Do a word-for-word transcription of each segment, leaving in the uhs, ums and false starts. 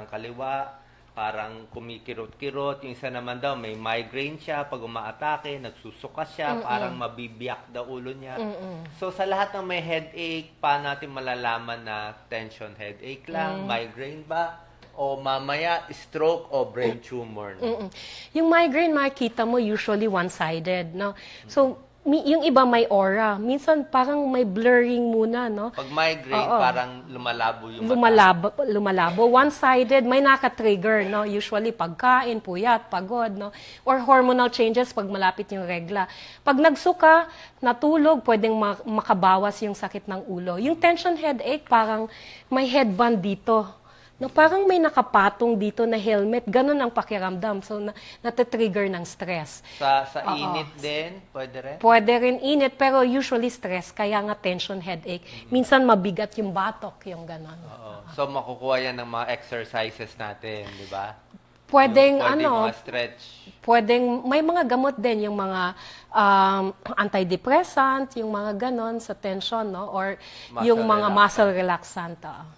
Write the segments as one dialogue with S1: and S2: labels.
S1: parang kaliwa, parang kumikirot-kirot. Yung isa naman daw, may migraine siya. Pag umaatake, nagsusuka siya.
S2: Mm-mm.
S1: Parang mabibiyak daw ulo niya.
S2: Mm-mm.
S1: So, sa lahat ng may headache, paano natin malalaman na tension headache lang,
S2: Mm.
S1: migraine ba, o mamaya stroke o brain tumor? No?
S2: Mm-mm. Yung migraine, makikita mo usually one-sided, no? So, mi- yung iba may aura. Minsan parang may blurring muna, no?
S1: Pag migraine,
S2: Oo.
S1: parang lumalabo yung mata.
S2: Lumalabo, lumalabo. One-sided, may naka-trigger, no? Usually pagkain, puyat, pagod, no? Or hormonal changes pag malapit yung regla. Pag nagsuka, natulog, pwedeng ma- makabawas yung sakit ng ulo. Yung tension headache, parang may headband dito. No, parang may nakapatong dito na helmet. Ganun ang pakiramdam. So, na, natitrigger ng stress.
S1: Sa, sa
S2: Oo.
S1: init din, pwede rin?
S2: Pwede rin init, pero usually stress, kaya nga tension headache. Minsan mabigat yung batok, yung gano'n.
S1: Oo. So, makukuha yan ng mga exercises natin, di ba?
S2: Pwedeng,
S1: Yung pwede
S2: ano,
S1: mga stretch.
S2: pwedeng, may mga gamot din, yung mga um, antidepressant, yung mga ganon sa tension, no? Or
S1: Muscle
S2: yung mga
S1: relaxant.
S2: muscle relaxant. ah.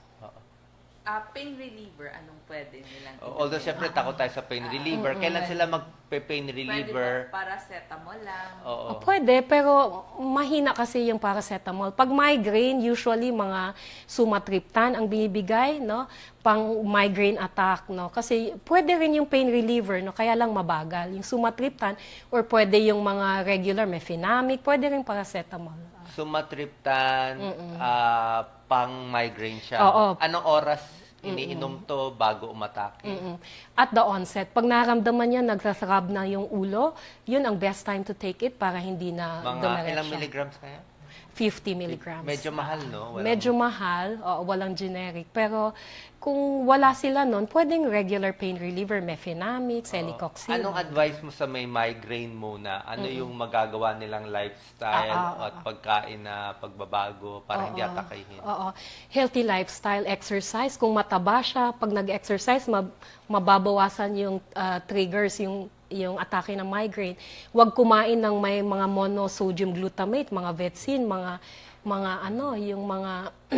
S3: Ah, pain reliever, anong pwede nilang
S1: Although,
S3: inumin?
S1: syempre, takot tayo sa pain reliever. Kailan sila mag-pain
S3: Pwede
S1: reliever?
S3: ba paracetamol lang?
S1: Oo.
S2: Oh, pwede, pero mahina kasi yung paracetamol. Pag migraine, usually mga sumatriptan ang binibigay, no? Pang migraine attack, no? Kasi pwede rin yung pain reliever, no? Kaya lang mabagal. Yung sumatriptan, or pwede yung mga regular mefenamic, pwede rin paracetamol.
S1: Sumatriptan, ah, pang migraine siya.
S2: Oo.
S1: Anong oras iniinom to bago umatake?
S2: Mm-mm. At the onset, pag naramdaman niya, nagsasarab na yung ulo, yun ang best time to take it para hindi na
S1: Mga
S2: dumiretso.
S1: ilang milligrams kaya?
S2: fifty milligrams.
S1: Medyo mahal, no? Walang-
S2: Medyo mahal, oo, walang generic. Pero kung wala sila nun, pwedeng regular pain reliever, mefenamic, celecoxib.
S1: Anong advice mo sa may migraine muna? Ano yung magagawa nilang lifestyle
S2: Ah, ah,
S1: at pagkain na pagbabago para hindi
S2: Oo.
S1: atakahin?
S2: Oo. Healthy lifestyle, exercise. Kung mataba siya, pag nag-exercise, mab- mababawasan yung ah, triggers, yung yung atake ng migraine. Huwag kumain ng may mga monosodium glutamate, mga vetsin, mga mga ano, yung mga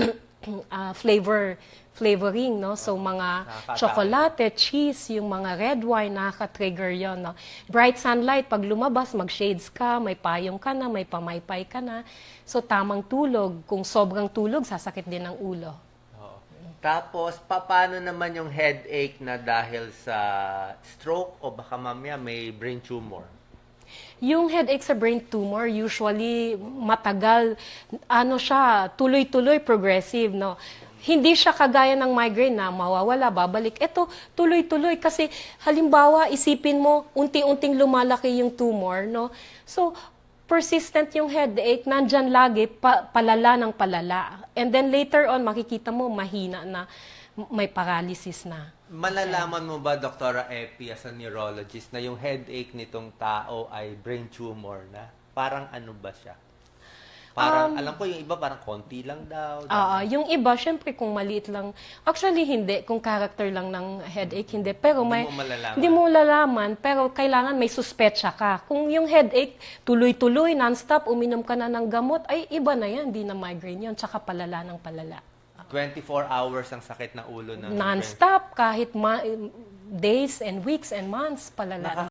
S2: ah, flavor flavoring, no? So mga
S1: Nakakaatake.
S2: chocolate, cheese, yung mga red wine, nakaka-trigger yon, no? Bright sunlight, pag lumabas, mag-shades ka, may payong ka na, may pamaypay ka na. So tamang tulog, kung sobrang tulog, sasakit din ang ulo.
S1: Oo. Tapos, paano naman yung headache na dahil sa stroke o baka mamaya may brain tumor?
S2: Yung headache sa brain tumor, usually matagal, ano siya, tuloy-tuloy, progressive, no? Hindi siya kagaya ng migraine na mawawala, babalik. Ito, tuloy-tuloy kasi halimbawa, isipin mo, unti-unting lumalaki yung tumor, no? So, persistent yung headache, nandyan lagi, pa, palala ng palala. And then later on, makikita mo, mahina na, may paralysis na.
S1: Malalaman mo ba, Doktora Epi, as a neurologist, na yung headache nitong tao ay brain tumor na? Parang ano ba siya? Parang, alam ko yung iba parang konti lang daw.
S2: Oo, yung iba, syempre kung maliit lang, actually hindi, kung character lang ng headache, hindi. Pero
S1: Hindi
S2: may,
S1: mo malalaman.
S2: Hindi mo malalaman, pero kailangan may suspetsya ka. Kung yung headache, tuloy-tuloy, non-stop, uminom ka na ng gamot, ay iba na yan, hindi na migraine yun, tsaka palala ng palala.
S1: twenty-four hours ang sakit na ulo ng
S2: Non-stop, kahit ma- days and weeks and months, palala.